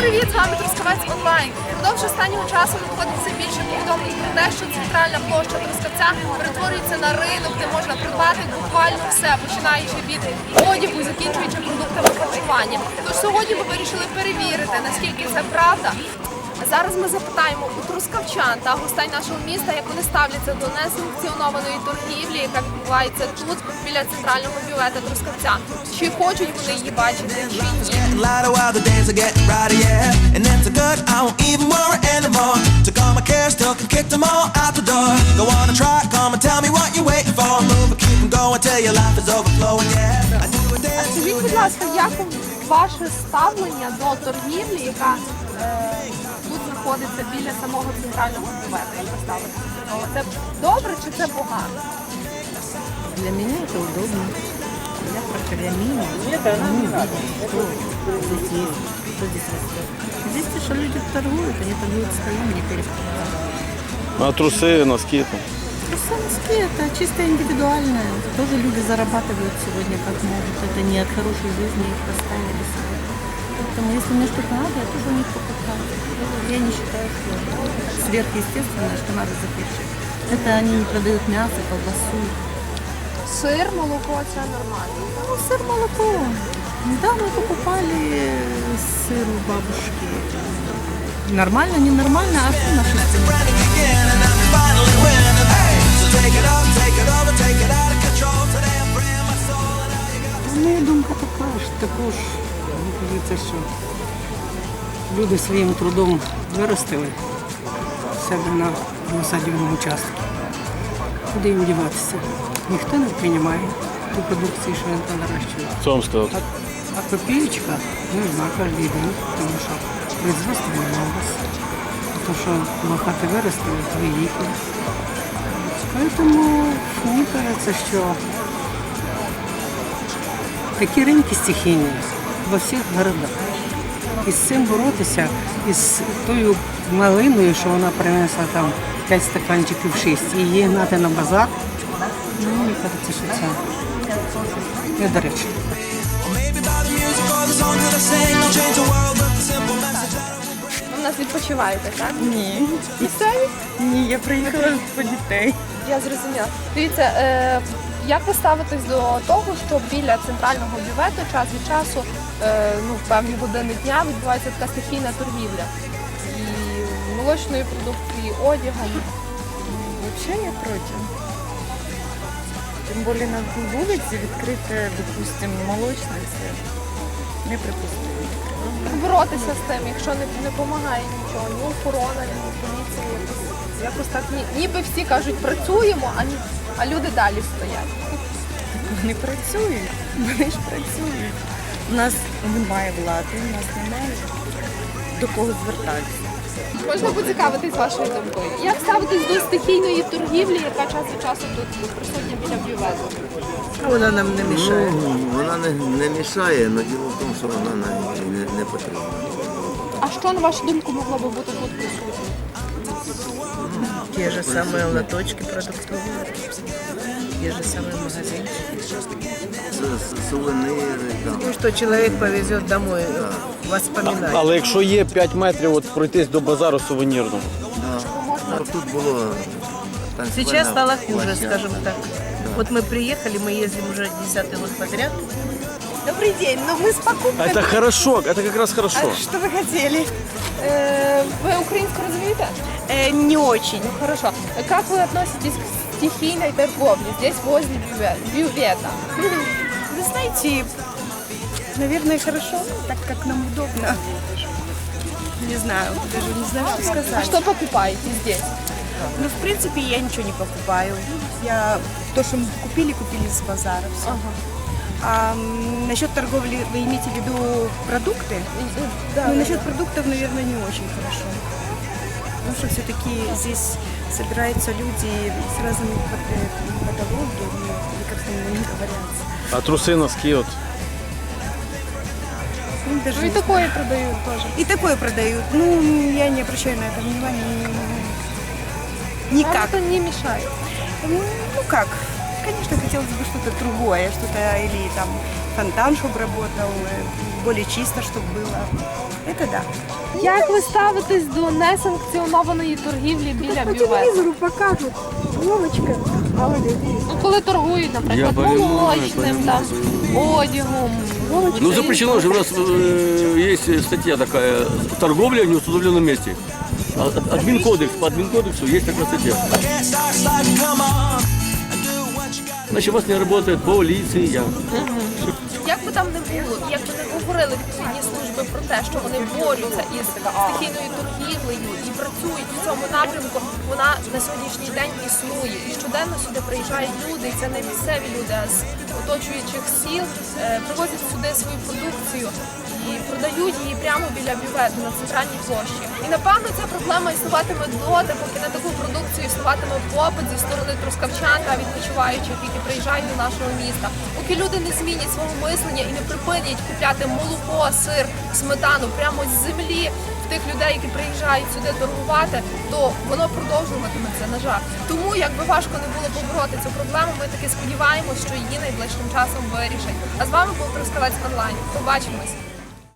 привіт! З вами Трускавець онлайн. Впродовж останнього часу надходить все більше повідомлень про те, що центральна площа Трускавця перетворюється на ринок, де можна придбати буквально все, починаючи від одягу і закінчуючи продуктами харчування. Тож сьогодні ми вирішили перевірити, наскільки це правда. Зараз ми запитаємо у трускавчан та гостей нашого міста, як вони ставляться до несанкціонованої торгівлі, яка відбувається тут, біля центрального бювету Трускавця. Чи хочуть вони її бачити, чи ні. А скажіть, будь ласка, як ваше ставлення до торгівлі, яка тут знаходиться біля самого центрального бювету, як ви ставитеся до того? Це добре чи це погано? Для меня это удобно. Я прокормила. Здесь есть, что здесь растет. Здесь то, что люди торгуют, они торгуют своим, не перепродают. А трусы, носки там? Носки это чисто индивидуальное. Тоже люди зарабатывают сегодня как могут. Это не от хорошей жизни их поставили себе. Поэтому если мне что-то надо, я тоже у них покупаю. Я не считаю, что сверхъестественное, что надо запретить. Это они не продают мясо, колбасу. Сир, молоко – це нормально. Ну, сыр, молоко. Да, мы покупали сыр у бабушки. Нормально, ненормально, а что наши цены? Моя думка така ж, також, мені кажеться, що люди своїм трудом виростили себе на насадженому участку. Куди їм діватися? Ніхто не приймає ту продукцію, що він там нарощує. Что вам сказать? А копеечка нужна кожен день, тому що производство немного. То, що лопати виростили, великі. Тому мені кажеться, що такі ринки стихійні во всіх городах. І з цим боротися, із тою малиною, що вона принесла там 5 стаканчиків 6, і її гнати на базар, мені кажеться, що це недоречно. Ви в нас відпочиваєте, так? Ні. Місцеві? Ні, я приїхала по дітей. Я зрозуміла. Дивіться, як ви ставитесь до того, що біля центрального бювету час від часу, в певні години дня відбувається така стихійна торгівля? І молочною продукцією, і одягом. Вообще я против. Тим більше на вулиці відкрити, допустимо, молочниця. Неприпустимо. Боротися з тим, якщо не допомагає нічого, ні охорона, ні поліція, якось так, ніби всі кажуть, працюємо, а люди далі стоять. Вони працюють, вони ж працюють. У нас немає влади, у нас немає до кого звертатися. Можна поцікавитись вашою думкою. Як ставитись до стихійної торгівлі, яка час від часу тут присутня біля бювету? Вона нам не мішає. Вона не мішає, але діло в тому, що вона не потрібна. А що, на вашу думку, могло би бути тут присутнє? Ті ж самі лоточки продуктові, ті ж самі магазинчики. Сувеніри, так. Ну, що чоловік повезе домой воспоминання. Але якщо є 5 метрів от пройтись до базару сувенірного? Тут було танцювальна Сейчас стало хуже, площадка. скажем так. Вот мы приехали, мы ездим уже 10-й год подряд. Добрий день, ну ми з покупками. Это хорошо, это как раз хорошо. Що ви хотіли? Ви українську розумієте? Не очень. Ну хорошо. Как вы относитесь к стихийной торговле здесь возле бювета? Вы знаете, наверное, хорошо, так как нам удобно. Не знаю, даже не знаю, что А сказать. что покупаете здесь? Ну, в принципе, я ничего не покупаю. То, что мы купили с базара. Все. А насчет торговли, вы имеете в виду продукты? Да, Ну, насчет продуктов, наверное, не очень хорошо. Потому что все-таки здесь собираются люди с разными патологиями, или как там они говорят. А труси, носки от? Ну, даже Ну и не такое продают тоже. знаю. И такое продают. Ну, я не обращаю на это внимания. Никак. Вам это не мешает. Ну, как? Конечно, хотелось бы что-то другое, что-то или там фонтан, чтобы работал, более чисто, чтобы было. Это да. Як ви ставитесь до несанкціонованої торгівлі біля По бювету? телевизору покажут. Вовочка, молодец. Ну, коли торгують, наприклад, молочним, там, одягом. Ну запрещено же, у нас есть статья такая, торговля в неустановленном месте. Админкодекс, по админкодексу есть такая статья. Значит, у вас не работает полиция. Як би там не було, як би не говорили відповідні служби про те, що вони борються із стихійною торгівлею і працюють в цьому напрямку, вона на сьогоднішній день існує. І щоденно сюди приїжджають люди, і це не місцеві люди, а з оточуючих сіл, привозять сюди свою продукцію і продають її прямо біля бювету на центральній площі. І напевно ця проблема існуватиме доти, поки на таку продукцію існуватиме попит зі сторони трускавчан та відпочиваючих, які приїжджають до нашого міста. Поки люди не змінять свого мислення і не припинять купляти молоко, сир, сметану прямо з землі в тих людей, які приїжджають сюди торгувати, то воно продовжуватиметься, на жаль. Тому, якби важко не було побороти цю проблему, ми таки сподіваємось, що її найближчим часом вирішать. А з вами був Трускавець онлайн. Побачимось!